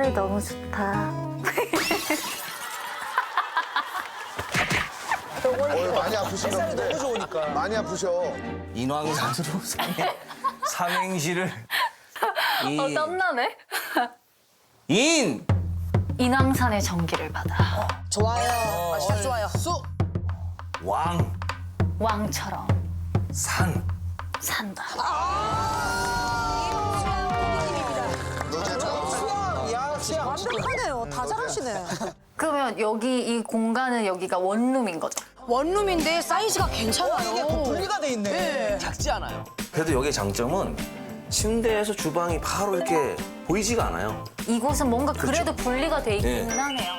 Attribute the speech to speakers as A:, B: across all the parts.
A: 햇살이 너무 좋다.
B: 많이 아프신가 본데.
C: 너무 좋으니까.
B: 많이 아프셔.
D: 인왕산으로 삼행시를
A: 땀나네.
D: 인
A: 인왕산의 전기를 받아
E: 좋아요. 시작 좋아요.
D: 왕
A: 왕처럼
D: 산
A: 산다.
B: 너 진짜
C: 야, 수야.
E: 완벽하네요. 다 잘하시네.
A: 그러면 여기 이 공간은 여기가 원룸인 거죠?
E: 원룸인데 사이즈가 괜찮아요.
C: 이게 분리가 돼 있네.
D: 작지 않아요. 그래도 여기의 장점은 침대에서 주방이 바로 이렇게 보이지가 않아요.
A: 이곳은 뭔가 그래도 분리가 돼 있기는
D: 네.
A: 하네요.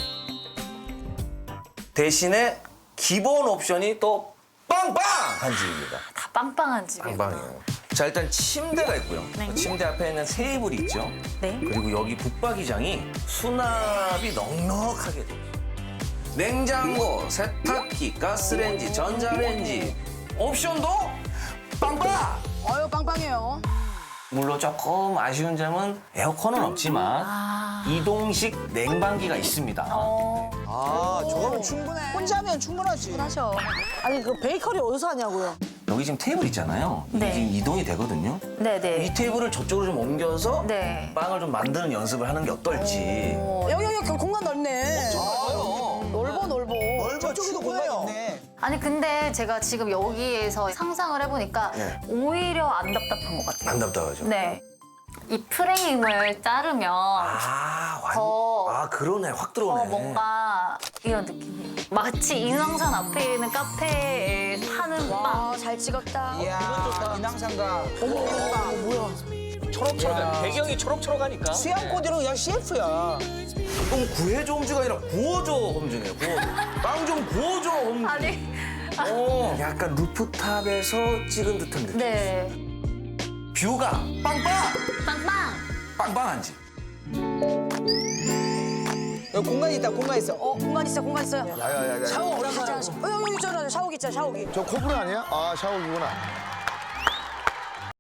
D: 대신에 기본 옵션이 또 빵빵한 집입니다.
A: 다 빵빵한 집이에요.
D: 빵빵해요. 자, 일단 침대가 있고요.
A: 네.
D: 침대 앞에 있는 테이블이 있죠.
A: 네.
D: 그리고 여기 붙박이장이 수납이 넉넉하게 돼요. 냉장고, 세탁기, 가스레인지, 전자레인지 옵션도 빵빵!
E: 어유 빵빵해요.
D: 물론 조금 아쉬운 점은 에어컨은 없지만 이동식 냉방기가 있습니다.
C: 아, 저거면 충분해. 혼자 하면 충분하지.
E: 하셔. 아니 그 베이커리 어디서 하냐고요?
D: 여기 지금 테이블 있잖아요. 이게
A: 네.
D: 지금 이동이 되거든요.
A: 네네.
D: 이 테이블을 저쪽으로 좀 옮겨서
A: 네.
D: 빵을 좀 만드는 연습을 하는 게 어떨지.
E: 여기 공간 넓네. 넓어.
C: 저쪽에도 공간 있네.
A: 아니 근데 제가 지금 여기에서 상상을 해보니까
D: 네.
A: 오히려 안 답답한 것 같아요.
D: 안 답답하죠?
A: 네. 이 프레임을 자르면 더
D: 그러네. 확 들어오네.
A: 뭔가 이런 느낌이에요. 마치 인왕산 앞에 있는 카페에 파는 빵.
E: 와 잘 찍었다.
C: 이야, 인왕산가.
D: 초록초록. 배경이 초록초록하니까.
C: 수양 코디는 그냥 CF야.
D: 그럼 구해줘 홈즈가 아니라 구워줘 홈즈네요. 구워줘. 빵 좀 구워줘 홈즈.
A: 아니.
D: 약간 루프탑에서 찍은 듯한 느낌.
A: 네.
D: 뷰가 빵빵!
A: 빵빵.
D: 빵빵한 집.
C: 여기 공간이 있다, 공간 있어.
E: 공간 있어요.
B: 야야야야.
C: 샤워 어디
E: 여기 있잖아. 샤워기 있잖아. 샤워기.
B: 저 코브라 아니야? 아 샤워기구나.